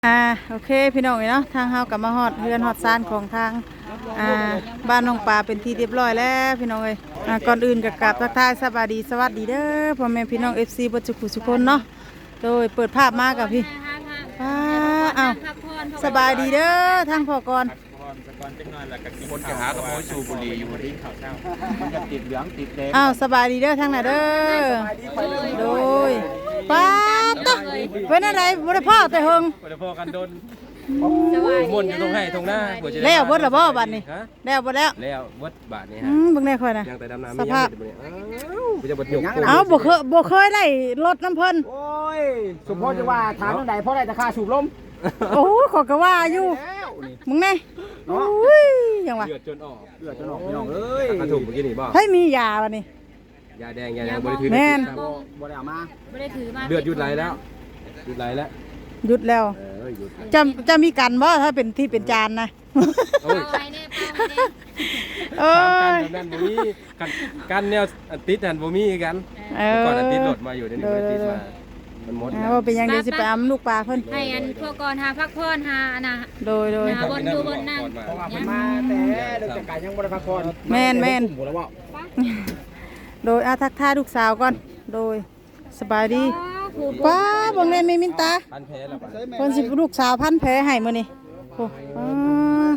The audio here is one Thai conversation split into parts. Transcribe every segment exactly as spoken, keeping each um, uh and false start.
อ่าโอเคพี่น้องเนาะทางเฮากลับมาฮอดเรือนฮอดซานของทางอ่าบ้านน้องปลาเป็นที่เรียบร้อยแล้วพี่น้องเอ้ยอ่าก่อนอื่นก็กราบทักทายสวัสดีสวัสดีเด้อพ่อแม่พี่น้อง เอฟ ซี เบ่ทุกผู้ทุกคนเนาะโดยเปิดภาพมากับพี่ป้าอ้าวสบายดีเด้อทางพ่อก่อนคนจะหากับโมสูบุรีอยู่ที่เขาเช่ามันจะติดเหลืองติดแดงอ้าวสบายดีเด้อทางไหนเด้อโดยป้าต๊ะเป็นอะไรบ่ได้พ่อแต่เฮิงบ่ได้พ่อกันโดนม่วนอยู่ตรงให้ตรงหน้าแล้วบ่ล่ะบ่บัดนี้แล้วบ่แล้วแล้วเบิดบาทนี้ฮะอืมเบิ่งได้ค่อยนะยังแต่ดำน้ำมียังอยู่อ้าวบ่จะบ่ยกเอ้าบ่เคยบ่เคยได้รถน้ำเพิ่นโอ้ยสมพรจะว่าถามจังได๋เพราะได้แต่ค่าสูบลมโอ้ขอก็ว่าอยู่มึงแน่โอ้ยยังวะเลือดจนออกเลือดจนออกพี่น้องเอ้ยกระถูกเมื่อกี้นี่บ่เฮ้ยมียาบัดนี้ยาแดงยาแดงบ่ได้ถือแม่นบ่ได้เอามาบ่ได้ถือมาเลือดหยุดไหลแล้วหยุดไหลแล้วหยุดแล้วเออหยุดจะจะมีกันบ่ถ้าเป็นที่เป็นจานนะโอ้ยไปแน่ไปแน่เอ้ยกันบ่มีกันกันแนวติดหันบ่มีกันก่อนติดรถมาอยู่เดี๋ยวนี้บ่ติดมามันหมดแล้วว่าเป็นยังไงสิไปอำลูกปลาเพิ่นให้อันพวกก่อนหาพักผ่อนหาน่ะโดยโดยหาบนอยู่บนนั่งเพราะว่าเพิ่นมาแต่เรื่องจัดการยังบ่ได้พักผ่อนแม่นแม่นโดยอาทักทายลูกสาวก่อนโดยสบายดีป้าบังเล่นมีมินตาพันแผลแล้วป่ะเพิ่นสิลูกสาวพันแผลให้มื้อนี้โอ้อ่า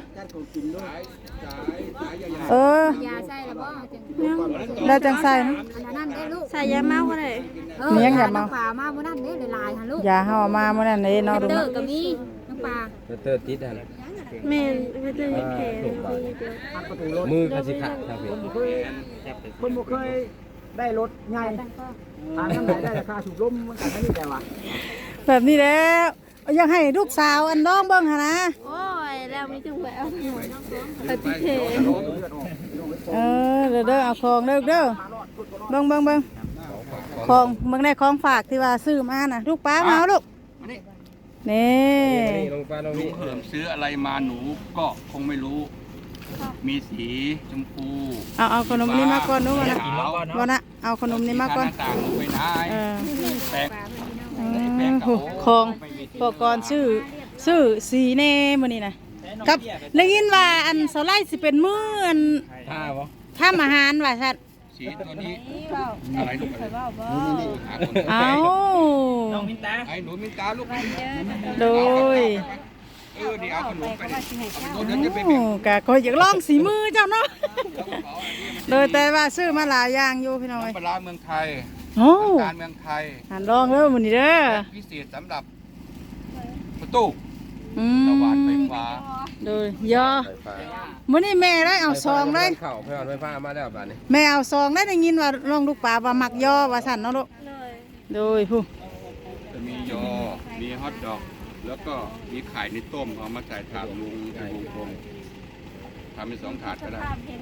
เออยาใส่แล้วบ่จังได้จังใส่นะอันนั้นได้ลูกใส่ยาเมาก็ได้มียังอย่าเมาป่ามาบ่นั่นเด้หลายๆหั่นลูกยาเฮามามื้อนั้นเด้เนาะเด้อก็มีน้องปลาเตอร์ติดหั่นแม่นเพิ่นจะมีแผลมือก็สิขาดครับพี่เพิ่นบ่เคยได้รถใหญ่ถามจังได๋ได้แต่ค่าสูบลมมันก็ไม่ได้แต่ว่าแบบนี้แล้วอยากให้ลูกสาวอันน้องเบิ่งหั่นนะโอ้ยแล้วมีจังแหววปฏิเทเออเด้อเด้อเอาของเด้อเด้อเบิ่งเบิ่งเบิ่งของเบิ่งได้ของฝากที่ว่าซื้อมาน่ะลูกป้ามาเอาลูกนี่ลงปลาลงนี่เพิ่มซื้ออะไรมาหนูก็คงไม่รู้มีสีชมพูเอาเอาขนมนี้มาก่อนนู้นนะวันนะเอาขนมนี้มาก่อนต่างไปนายแปลกของพวกก่อนซื้อซื้อสีเน่มื้อนี้นะกับได้ยินว่าอันเสาไล่สิเป็นมื้ออันท่าบ่ทำอาหารว่าซั่นสีตัวนี้อะไรลูกเอาน้องมินตาไอ้หนูมินตาลูกโดยเออนี่เอาขนมไปโอ้กะก็อยากลองสีมือเจ้าเนาะโดยแต่ว่าซื้อมาหลายอย่างอยู่พี่น้อยปลาเมืองไทยการเมืองไทยหันลองเด้อมื้อนี้เด้อพิเศษสำหรับประตูสว่านไฟฟ้าโดยยอมื้อนี้แม่ได้เอาซองเลยเข้าไฟไฟฟ้ามาแล้วบัดนี้แม่เอาซองได้ได้ยินว่าลองลูกปลาว่ามักยอว่าซั่นเนาะลูกโดยผู้จะมียอมีฮอทดอกแล้วก็มีไข่ในต้มเอามาใส่ถาดลุงเป็นวงกลมทำเป็นสองถาดก็ได้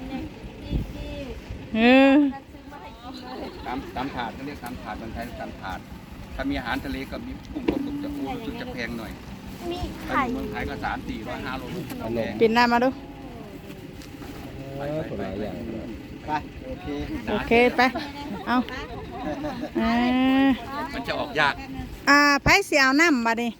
เออตามตามถาดเขาเรียกตามถาดมันไทยตามถาดถ้ามีอาหารทะเลก็มีกุ้งก็ตกจะอู้รู้สึกจะแพงหน่อยถ้าอยู่เมืองไทยก็สามสี่ร้อยห้าโลปิดหน้ามาดูไปโอเคโอเคไปเอามันจะออกยากอ่าไผสิเอาน้ำบัดนี้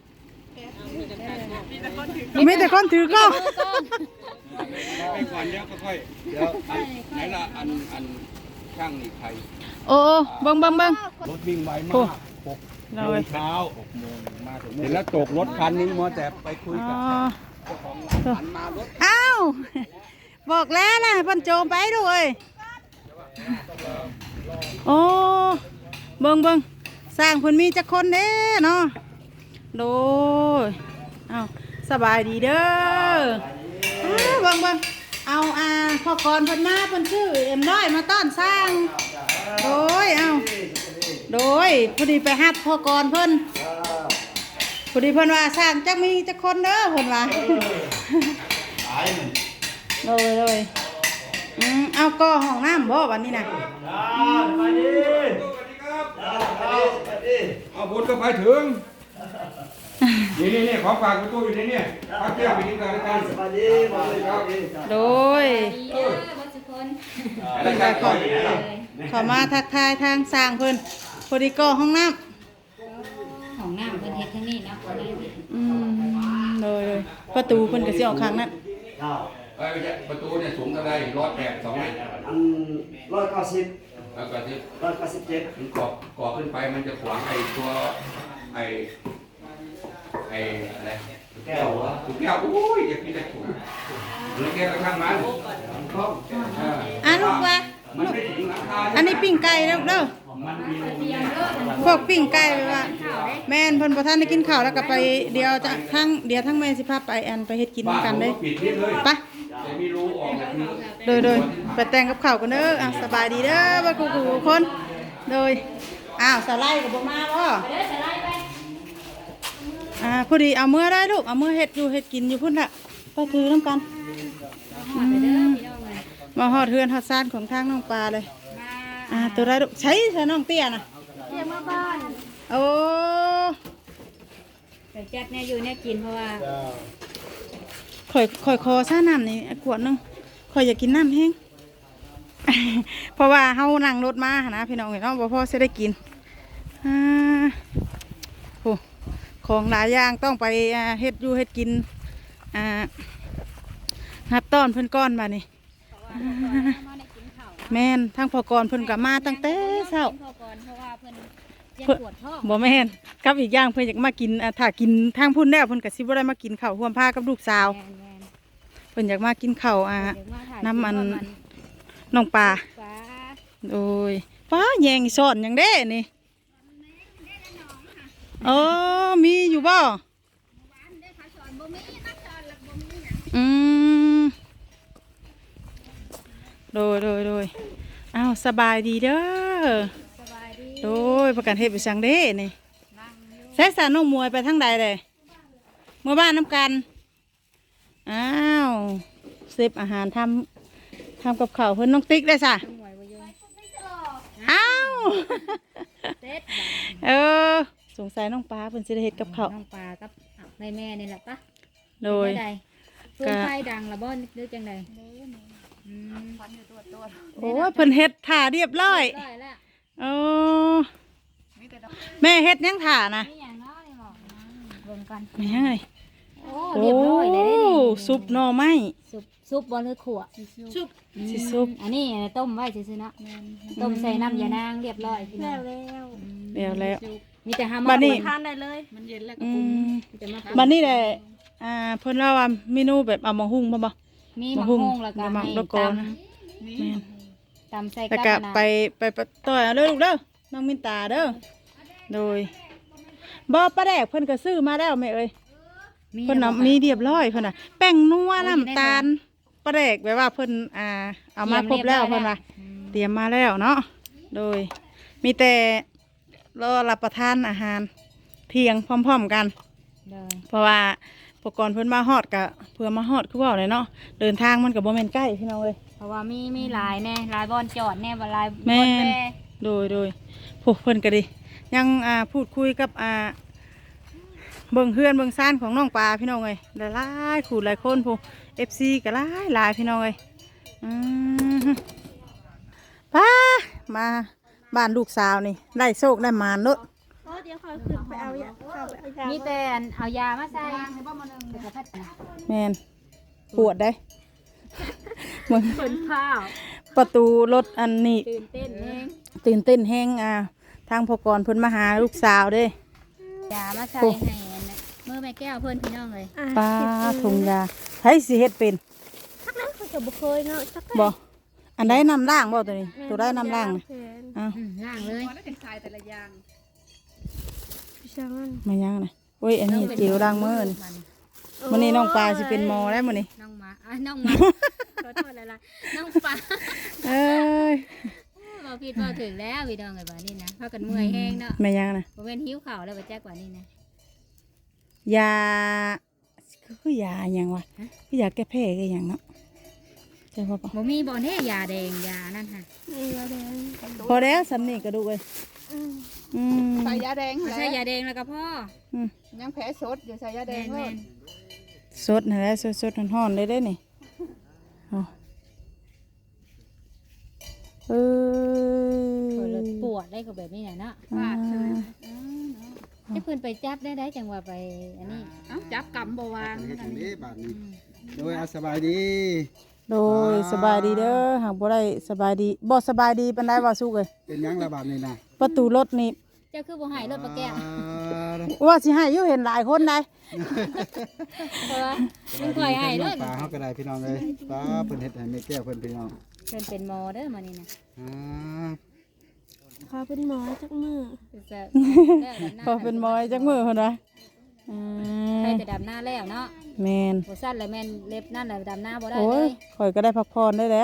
มีแต่คนถือกล้องไปก่อนเดี๋ยวค่อยเดี๋ยวไหนละอันอันช่างนี่ใครโอ้เบิ่งเบิ่งเบิ่งรถวิ่งไวมากหกโมงเช้าหกโมงมาถึงเห็นแล้วตกรถคันนึงมัวแต่ไปคุยกับเจ้าของร้านมารถอ้าวบอกแล้วนะเพิ่นโจมไปด้วยโอ้เบิ่งเบิ่งสร้างเพิ่นมีจักคนเด้เนาะโดยเอาสบายดีเด้อเบิ่งเบิ่งเอาอ่าพ่อกรเพิ่นมาเพิ่นชื่อเอ็มน้อยมาต้อนสร้างโดยเอาโดยพอดีไปฮัดพ่อกรเพิ่นพอดีเพิ่นว่าสร้างจักมีจักคนเด้อเพิ่นว่าโดยโดยอืมเอาก็ห้องน้ำบ่วันนี้นะเอาบุญก็ไปถึงนี่นี่นี่ขอฝากประตูอยู่ในนี่พักเที่ยวไปกินกันกันสวัสดีโดยขอมาทักทายทางสร้างเพิ่นพอดีก็ห้องน้ำของน้ำเพิ่นเฮ็ดทางนี้เนาะอืมประตูเพิ่นก็สิออกข้างนั้นเอ้ยไม่ใช่ประตูเนี่ยสูงเท่าไรร้อยแปดสองเมตรอันร้อยเก้าสิบแล้วก็ที่ร้อยเก้าสิบเจ็ดมันกรอบกรอบขึ้นไปมันจะขวางไอ้ตัวไอ้ไอ้อะไรแก้ววะถูกแก้วโอ้ยอย่าพิจารณาถูกหรือแก้วกระทั่งมันครบอ่ะลูกว่ามันไม่ถึงหลังคาอันนี้ปิ้งไก่เด้อเด้อมันมีรูพวกปิ้งไก่ไปว่าแม่นเพิ่นบ่ทันได้กินข้าวแล้วก็ไปเดียวจะทั้งเดียวทั้งแม่สิพาไปอันไปเฮ็ดกินบ้านกันผมเด้ก็ปิดนิดเลยไปแต่มีรูออกแบบนี้โดยโดยไปแต่งกับข้าวกันเด้ออ่ะสบายดีเด้อบ่กูกูคนโดยอ้าวสไลด์ก็บ่มาบ่อ่าพอดีเอามือได้ลูกเอามือเฮ็ดอยู่เฮ็ดกินอยู่พุ่นล่ะไปถือนํกันอืมมาฮอดเฮือนฮอดซ่านของทางน้องปลาเลยอ่าตัวได้ลูกใช้ใช้น้องเตี้ยน่ะเรียกมาบ้านโอ้แต่แจ็คเนี่ยอยู่เนี่ยกินเพราะว่าข่อยข่อยคอซ่าน้ำนี่ขวดหนึงข่อยอยากกินน้ำแห้ง เพราะว่าเฮานั่งรถมาหนนะพี่น้องเนาะบ่พอสิได้กินอ่าโอ้ของหลายอย่างต้องไปอ่าเฮ็ดอยู่เฮ็ดกินอ่านับต้อนเพิ่นก้อนมานี่แม่นทางพอกรเพิ่นก็มาตั้งแต่เช้าพอก่อนเพราะว่าเพิ่นยังปวดท้องบ่แม่นกับอีกอย่างเพิ่นอยากมากินอ่าถ้ากินทางพุ่นแล้วเพิ่นก็สิบ่ได้มากินข้าวร่วมพากับลูกสาวแม่นเพิ่นอยากมากินข้าวอ่าๆเดี๋ยวมาถ่ายน้ำมันคลิปว่าน้องปลาฟ้าโดยฟ้าแยงซ่อนหยังเด้นี่เออมีอยู่บ่อืมโดยโดยโดยอ้าวสบายดีเด้อสบายดีโดยประกันเฮ็ดไปสังเด้นี่นั่งอยู่ใช้สารน้องมวยไปทางใดเลยเมื่อบ้านน้ำกันอ้าวเซฟอาหารทำทำกับข้าวเพิ่นน้องติ๊กได้ซะหวยบ่อยู่อ้าวเซ็ตเออสงสัยน้องปลาเพิ่นสิได้เฮ็ดกับข้าวน้องปลากับแม่แม่นี่แหละปะโดยใดเพื่อนไฟดังละบ่นึกจังไดอืมโอ้ยเพิ่นเฮ็ดถ่าเรียบร้อยได้แล้วโอ้แม่เฮ็ดหยังถ่านะนี่อย่างน้อยนี่บอกนะเบิ่งกันแม่ยังไงโอ้โอ้เรียบร้อยเลยได้นี่ซุปหน่อไม้ซุปซุปบ่หรือขั่วซุปสิซุปอันนี้ต้มไว้ซื่อๆเนาะต้มใส่น้ำยานางเรียบร้อยพี่น้องแล้วแล้วมีแต่หาหมบัดนี้ทานได้เลยมันเย็นแล้วก็อืปรุงมมีแต่มาบัดนี้แหละอ่าเพิ่นว่าว่าเมนูแบบเอามาหุ้งบ่บ่มีมะมะฮุ่ฮุ่งงแล้วก็มะให้มะกตอกนะ แม่นำตำใส่แล้วกัก็บนะไปไปไปต่อยเอาเด้อลูกเด้อน้องมินตาเด้อโดยบ่ปลาแดกเพิ่นก็ซื้อมาแล้วแม่เอ้ยเพิ่นน่ะมีเรียบร้อยเพิ่นน่ะแป้งนัวน้ำตาลปลาแดกแบบว่าเพิ่นอ่าเอามาครบแล้วเพิ่นว่าเตรียมมาแล้วเนาะโดยมีแต่รอรับประทานอาหารเที่ยงพร้อมๆกันเลยเพราะว่าอุปกรณ์เพิ่นมาฮอดก็เพื่อมาฮอดคือเว้าเลยเนาะเดินทางมันก็บ่แม่นใกล้พี่น้องเอ้ยเพราะว่ามีมีหลายแน่หลายบอนจอดแน่บ่หลายบแม่อนนแม่โดยโดยพวกเพิ่นก็ดียังอ่าพูดคุยกับอ่าเบิ่งเฮือนเบิ่งซ่านของน้องปลาพี่น้องเอ้ยหลายๆขู่หลายคนพวก เอฟ ซี ก็หลายหลายพี่น้องเอ้ยอืมป้ามาบ้านลูกสาวนี่ได้โชคได้หมานเนอะเดี๋ยวคอยขึ้นไปเอายามีแต่อันเอายามาใส่เดี๋ยวก็พัดนะแม่นปวดได้ มึงเป็นข้าวประตูรถอันนี้ตื่นเต้นเองตื่นเต้นแห้งอ่าทางพอกรเพิ่นมาหาลูกสาวเด้ยามาใส่โอ้ให้อันน่ะมือแม่แก้วเพื่อนพี่น้องเลยป้าถุงยาใช้สิเฮ็ดเป็นเขาจะบุเคยเนาะสักบ่อันได้นำล่างบ่ตัวนี้ตัวได้นำล่างนี่อ้าวล่างเลยมายังนะโอ้ยอันนี้เจียวล้างมือนี่มื้อนี้น้องปลาสิเป็นหมอแล้วมื้อนี้น้องหมาอ่ะน้องหมาขอโทษอะไรล่ะน้องปลาเอ้ยเราผิดเราถึงแล้วพี่น้องเลยบ่านี่นะพากันเมื่อยแห้งเนาะมายังนะบ่เป็นหิวข่าวแล้วบ่แจ๊กกว่านี่นะยาคือยาหยังวะคือยาแก้แพ้คือหยังเนาะใช่ป่ะบ่มีบ่แน่ยาแดงยานั่นค่ะพอแล้วสำนี่กระดูกเอ้ยอืมใส่ยาแดงไม่แหใช่ละยาแดงแล้วก็พ่ออืมยังแผลสดอยู่ใส่ยาแดแม่งนเลแม่ยนสดนั่นแหละสดสดๆร้อนๆเลยได้นี่เอาเอปวดอปวดได้ก็แบบนี้แหละเนาะอ่าที่เพิ่นไปจับได้ได้จังว่าไปอันนี้เอ้าจับกำบ่วางเฮ็ดจังนี้บาดนี้โดยอาสบายดีโดยสบายดีเด้อหากบ่ได้สบายดีบ่สบายดีปานใดว่าสู้เอ้ยเป็นหยังละบาดนี้นะประตูรถนี่เจ้าคือบ่ให้รถปลาแก้วว่าสิให้อยู่เห็นหลายคนได้เพราะว่ามันค่อยให้รถปลาเฮาก็ได้พี่น้องเอ้ยปลาเพิ่นเฮ็ดให้แม่แก้วเพิ่นพี่น้องเพิ่นเป็นหมอเด้อมานี่นะอ่าเขาเป็นหมอจักมือจะพอเป็นหมอยจักมื้อเพิ่นว่าอืมใครจะดำหน้าแล้วเนาะแม่นบ่สั้นแล้วแม่นเล็บนั่นแหละดำหน้าบ่ได้โอ้เลย ยข่อยก็ได้พักผ่อนได้แล้ว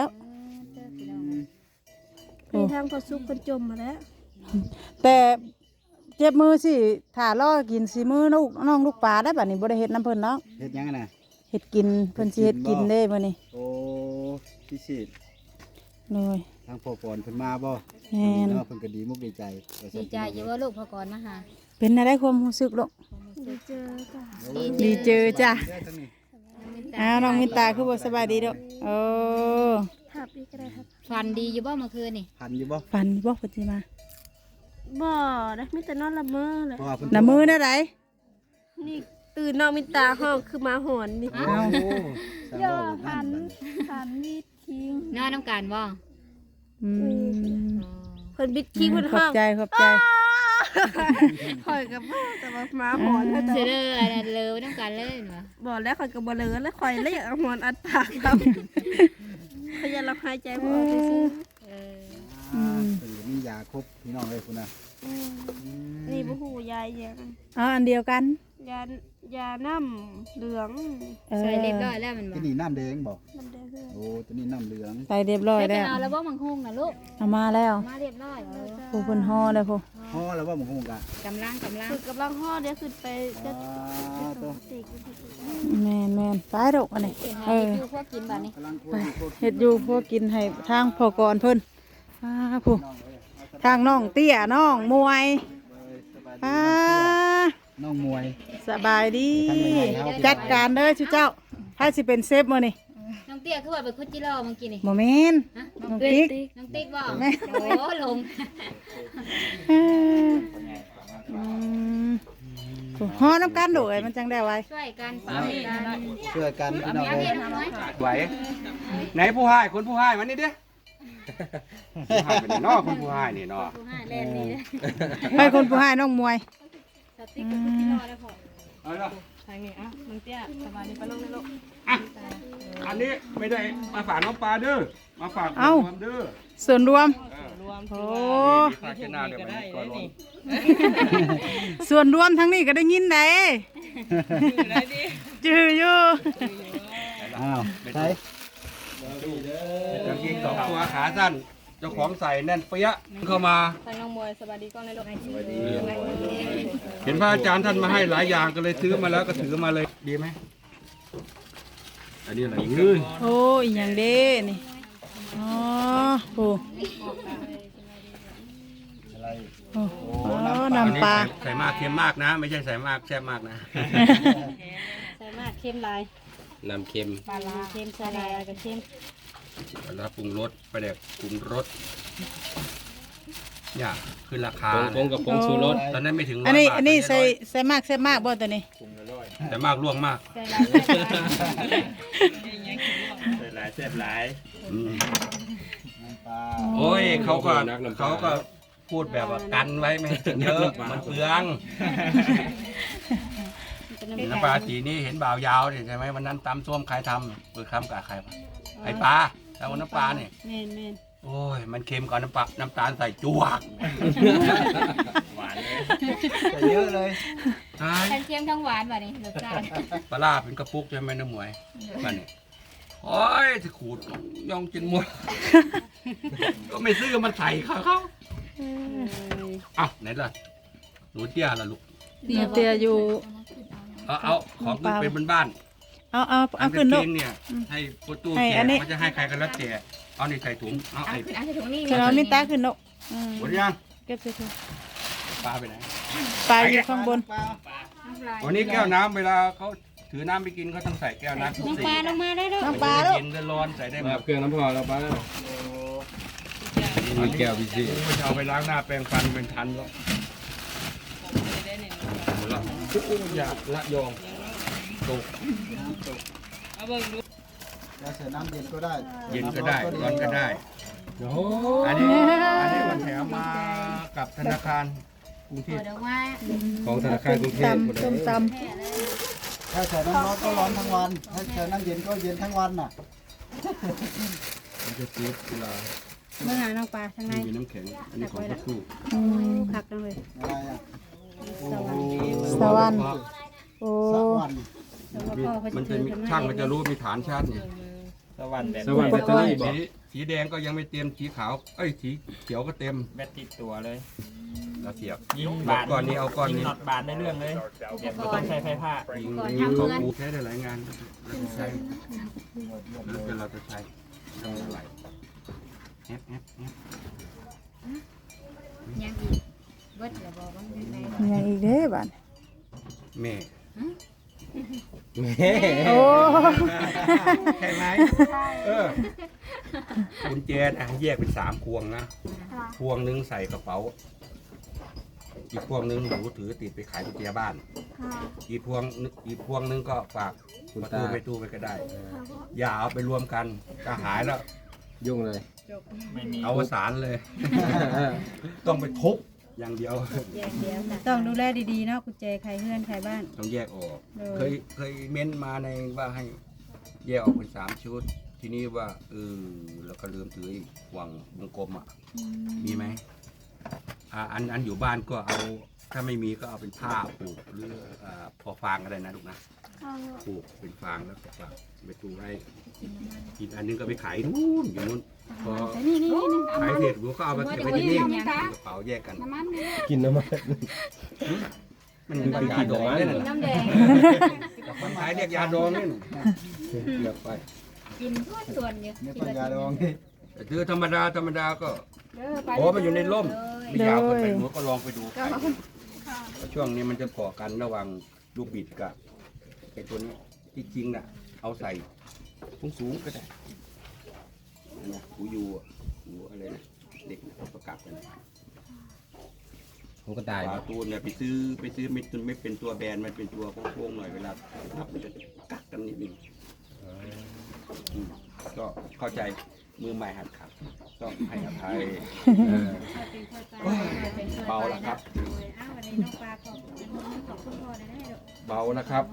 มีทางพอซุกคนจมมาแล้วแต่เจ็บมือสิถ้ารอกินสิมือลูกน้องลูกปลาได้บัดนี้บ่ได้เฮ็ดน้ำเพิ่นเนาะเฮ็ดหยังน่ะเฮ็ดกินเพิ่นสิเฮ็ดกินเด้มื้อนี้โอ้พิเศษเลยทางพ่อปอนเพิ่นมาบ่แม่นเนาะเพิ่นก็ดีมุกดีใจว่าซั่ดีนใจอยู่ว่าลูกพอก่อนมาหาเป็นอะไรความรู้สึกลูกได้เจอจ้ะดีเจอจ้ะเด้อทั้งนี้อ้าวน้องมินตาคือบ่สบายดีเด้อโอ้ทับอีกก็ได้ครับฟันดีอยู่บ่เมื่อคืนนี่พันอยู่บ่ฝันบ่เพิ่นสิมาบ่ได้มีแต่นอนละเมอเลยเพราะว่าเพิ่นน้ำมือได้ไดนี่ตื่นนอนมินตาห้องคือหมาหอนนี่โอ้สร้างบ่พันหันมีดคิงนอนน้ำกันบ่อืมเพิ่นบิดคิงเพิ่นขอห้บองใจขอบใจข่อยกับบ่แต่ว่าหมาหอนเพิ่นเสือเด้ออันนั้นเลยน้ำกันเลยเนาะบ่แล้วข่อยก็บ่เหลือแล้วข่อยเลยอยากเอาหอนอัดปากครับข่อยอยากรับหายใจบ่ออกซื่อเอออืมเพิ่นก็มียาครบพี่น้องเอ้ยพุ่นน่ะๆอืมนี่บ่ฮู้ยายหยังอ๋ออันเดียวกันยายาน้ำเหลืองเออใส่เรียบร้อยแล้วมันบ่ที่นี่น้ำแดงบ่น้ำแดงเฮือโอ้ตัวนี้น้ำเหลืองใส่เรียบร้อยใส่ไปแล้วเอาแล้วบ่มังคุงน่ะลูกเอามาแล้วมาเรียบร้อยเออผู้เพิ่นห่อแล้วผู้พอแล้วว่าหมูคงกะกำลังกำลังคือกำลังห่อเดี๋ยวขึ้นไปจะอ่าตัวติกแม่นแม่นไปดอกอันนี้เป็นเอให้ออยู่พวกกินบัดนี้กำลังคุไปยโคตรเฮ็ดอยู่พวกกินให้ทางพ่อก่อนเพิ่นอ้าผู้ทางน้องเตี้ยน้องมวยป้าน้องมวยสบายดีทางไหนครับจัดการเด้อชุเจ้าให้สิเป็นเซฟมื้อนี้น้องเตี้ยคือว่าไปคุดจิโร่เมื่อกี้นี่บ่แม่นฮะน้องติ๊กน้องติ๊กบ่แม่โอ้ลงเอออืมผู้ห่อน้ำกันโดยมันจังได้ไว้ช่วยกันช่วยกันช่วยกันพี่น้องเอาเอ้เห็ยนไหมไหวไหนผู้ให้คนผู้ให้มันนี่ดิผู้ให้เป็นนอคนผู้ให้นี่นอผู้ให้เล่นนี่ให้คนผู้ให้น้องมวยสติ๊กกับคุดจิโร่ได้พอเอาละทางนี้อ่ะมึงเตี้ยสบายดีปะลงในโลกอ่ะอันนี้ไม่ได้มาฝากน้องปลาเด้อมาฝากเอ้าความเด้อส่วนรวมเออโอ้มีฝากแค่หน้าเดี๋ยวมันก่อนร้อนส่วนรวมทั้งนี้ก็ได้ยินได้จืออยู่อ้าวใช่กางเกงสองตัวขาสั้นเจ้าของใส่แน่นเปี้ยะเข้ามาทางน้องมวยสบายดีกล้องในโลกเห็นพระอาจารย์ท่านมาให้หลายอย่างก็เลยซื้อมาแล้วก็ถือมาเลยดีไหมอันนี้อะไรยืนโอ้ยอหย่างเด้นี่อ๋อโอ้โอ้โอ้น้ำปลาใส่มากเค็มมากนะ ไม่ใช่ใส่มากแซ่บมากนะใส่มากเข้มลายน้ำเค็มปลาลาเข้มใส่ลายกับเข้มแล้วปรุงรสไปเด็กปรุงรสอย่าขึ้นราคาผงกับผงชูรสตอนนั้นไม่ถึงร้อัอน ยนี้บาทอันนี้ตใส่ใส่มากใส่มากบ่ตัวนี้แต่มากล่วงมากใส่ลายใส่ลายหลายแซ่บหลายอืมน้ำปลาโอ้ยเขาก็นักน้ำปลาเขาก็พูดแบบว่ากันไว้ไม่ให้กินเยอะมันเปลืองน้ำปลาสีนี่เห็นบ่าวยาวนี่ใช่ไหมวันนั้นตำส้มใครทำเปิดคำกับใครปะไอปลาแต่ว่าน้ำปลาเนี่ยเม่นเม่นโอ้ย มันเค็มกว่าน้ำปลาน้ำตาลใส่จวกหวานเลยใส่เยอะเลยตายทั้งเค็มทั้งหวานบัดนี้รสชาติปลาร้าเป็นกระปุกใช่ไหมน้ำหมวยมันนี่โอ้ยจะขูดย่องกินหมด ก็ไม่ซื้อมันใส่เขาเขาอ่ะไหนล่ะหนูเตี้ยล่ะลูกเตียอยู่เอาเอาของขึ้นเป็นบ้านเอาเอาๆเอาขึ้นเกลูกงเนี่ย ให้ประตูให้แกอันนี้เขาจะให้ใครกันแล้วแต่เอาในใส่ถุงเอาเอาไอ้ขึ้นเอาใส่ถุงนี่ขึ้นเอามินตาขึ้นลูกอืมหมดยังเก็บใส่ถุงปลาไปไหนปลาอยู่ข้างบนวันนี้แก้วน้ำเวลาเขาถือน้ำไปกินเขาต้องใส่แก้วน้ำทุกน้องสีปลาลงมาได้ด้วยน้ำปลาลูกเย็นๆร้อนๆใส่ได้หมมาดเครื่องน้ำพอแล้วป้ามีแก้วพิเศษจะเอาไปล้างหน้าแปรงฟันเป็นทันแล้วอย่าละยองตกจะใส่น้ำเย็นก็ได้เย็นก็ได้ร้อนก็ได้โอ้อันนี้อันนี้มันแถมมากับธนาคารกรุงเทเปิพดออกมาของธนาคารกรุงเทพหมดเลยส้มตถ้าใส่น้ำร้อนก็ร้อนทั้งวัน ถ้าใส่น้ำเย็นก็เย็นทั้งวันน่ะมันจะซื้อเวลาเมื่อหาน้องปลาทางในมีน้ำแข็งอันนี้ของพัตู้ำอืมคักจังเลยอะไรอ่ะสวรรค์โอ้สักวันแล้วก็พ่อเขาจะมันจะซื้อมีกันมาช่างมันจะรู้มีฐานชาร์จนี่สวรรค์แบบสวรรค์แบตเตอรี่บอสีสีแดงก็ยังไม่เต็มสีขาวเอ้ยสีเขียวก็เต็มแบตติดตัวเลยเราเสียบยิงหมบาดดก้อนนี้เอาก้อนยิงนี้น็อตบาดในเรื่องเลยแบบไม่ต้องใช้ไฟผ้ายิงยิงเขาปูใช้ได้หลายงานเราจะใช้แล้วแต่เราจะใช้ทำอะไรแอปแอปแอปยังอีกเบิดแล้วบอกว่ายังไงยังอีกเด้บัดแม่แม่โอ้ใช่ไหมเออกุญแจอ่ะแยกเป็นสามพวงนะพวงหนึงใส่กระเป๋า อีกพวงหนึงหนูถือติดไปขายกุญแจบ้าน อีกพวงนึงอีกพวงหนึงก็ฝากประตูไปตู้ไปก็ได้ อย่าเอาไปรวมกันจะหายแล้วยุ่งเลยไม่มีเอาสารเลย ต้องไปทุบอย่างเดียวแยกเดียวค่ะต้องดูแลดีๆเนาะกุญแจใครเพื่อนใครบ้านต้องแยกออกเออเคยเคยเม้นมาในว่าให้แยกออกเป็นสามชุด ทีนี้ว่าเออแล้วก็ลืมถืออีกวางวงกลมอ่ะ มีไหมอ่าอันอันอยู่บ้านก็เอาถ้าไม่มีก็เอาเป็นผ้าผูกหรืออ่าพอฟางก็ได้นะลูกนะผูกเป็นฟางแล้วก็ฝากไปตูไว้อีกอันนึงก็ไปขายนู่นอยู่นู่นพอนี่นี่นี่ขายเสร็จกูก็เอาไปเก็บไว้ที่นี่กระเป๋าแยกกันกินน้ำมันมันเป็นยาดองนี่นะน้ำแดงคนขายเรียกยาดองนี่เลือกไปกินทุกส่วนอยู่เนี่ยปัญญาดองนี่แต่ถือธรรมดาธรรมดาก็เด้อไปโอ้มันอยู่ในร่มเลยไม่ยาวเกินไปหนูก็ลองไปดูเพราะช่วงนี้มันจะก่อกันระหว่างลูกบิดกับไอ้ตัวนี้ที่จริงน่ะ เอาใส่สูงสูงๆก็ได้นะหูยูอะหูอะไรนะเด็กนะประกับกันผมก็ตายปลาตูนเนี่ยไปซื้อไปซื้อไม่ตุนไม่เป็นตัวแบนมันเป็นตัวโค้งๆหน่อยเวลาทับมันจะกักกันนิดนึงอืมก็เข้าใจมือใหม่หัดขับต้องให้อภัยเออ เบาแล้วครับอ้าววันนี้น้องปลาขอบคุณขอบคุณพ่อได้ให้ลูกเบานะครับ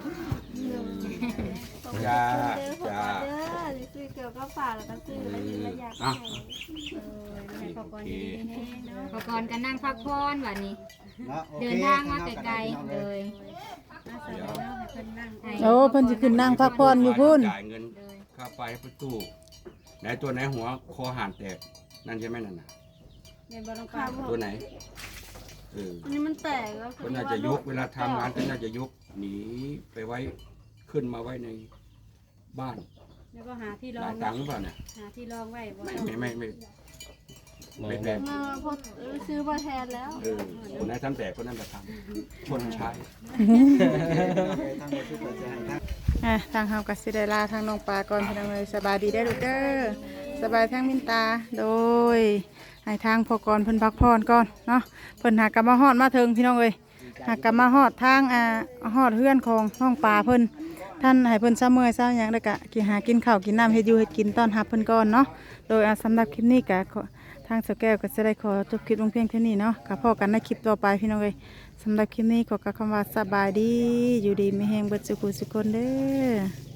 จ้าจ้าซื้อเกี่ยวกับฝากแล้วก็ซื้อเออะไรออยากอ่ะให้ขอบคุณดีๆแน่เนาะขอบคุณกันนั่งพักผ่อนวันนี้นะโอคเดินทางมาไกลๆเลยเดี๋ยวโอ้เพิ่นสิขึ้นนั่งพักผ่อนอยู่พุ่นจ่ายเงินค่าไฟให้ประตูไหนตัวไหนหัวคอห่านแตกนั่นใช่ไหมนั่นน่ะเดินบอลงปลาตัวไหนเอออันนี้มันแตกแล้วก็น่าจะยกเวลาทำงานก็น่าจะยกหนีไปไว้ขึ้นมาไว้ในบ้านแล้วก็หาที่รอได้งตังค์เปล่าเนี่ยหาที่รองไว้บ่ไม่ไม่ไม่ไม่ไม่แบบมาพอซื้อมาแทนแล้วเออคนไหนทำแตกคนนั้นจะทำชนใช้ทางบริษัทจะให้ทางอ่ะทางเฮาก็สิได้ลาทางน้องปลาก่อนพี่น้องเอ้ยสบายดีได้อลูกเด้อสบายทางมินตาโดยให้ทางพอกรเพิ่นพักผ่อนก่อนเนาะเพิ่นหากลับมาฮอดมาถึงพี่น้องเอ้ยหากกลับมาฮอดทางอ่าฮอดเฮือนของน้องปลาเพิ่นท่านให้เพิ่นซะเมื่อยซะหยังแล้วก็กินหากินข้าวกินน้ำเฮ็ดอยู่เฮ็ดกินต้อนรับเพิ่นก่อนเนาะโดยอ่าสำหรับคลิปนี้ก็ขอทางสแก้วก็จะได้ขอจบคลิปลงเพียงเท่านี้เนาะก็พอกันในคลิปต่อไปพี่น้องเอ้ยสำหรับคลิปนี้ขอกล่าวคำว่าสบายดีอยู่ดีมีแฮงเบิดสุขสุขคนเด้อ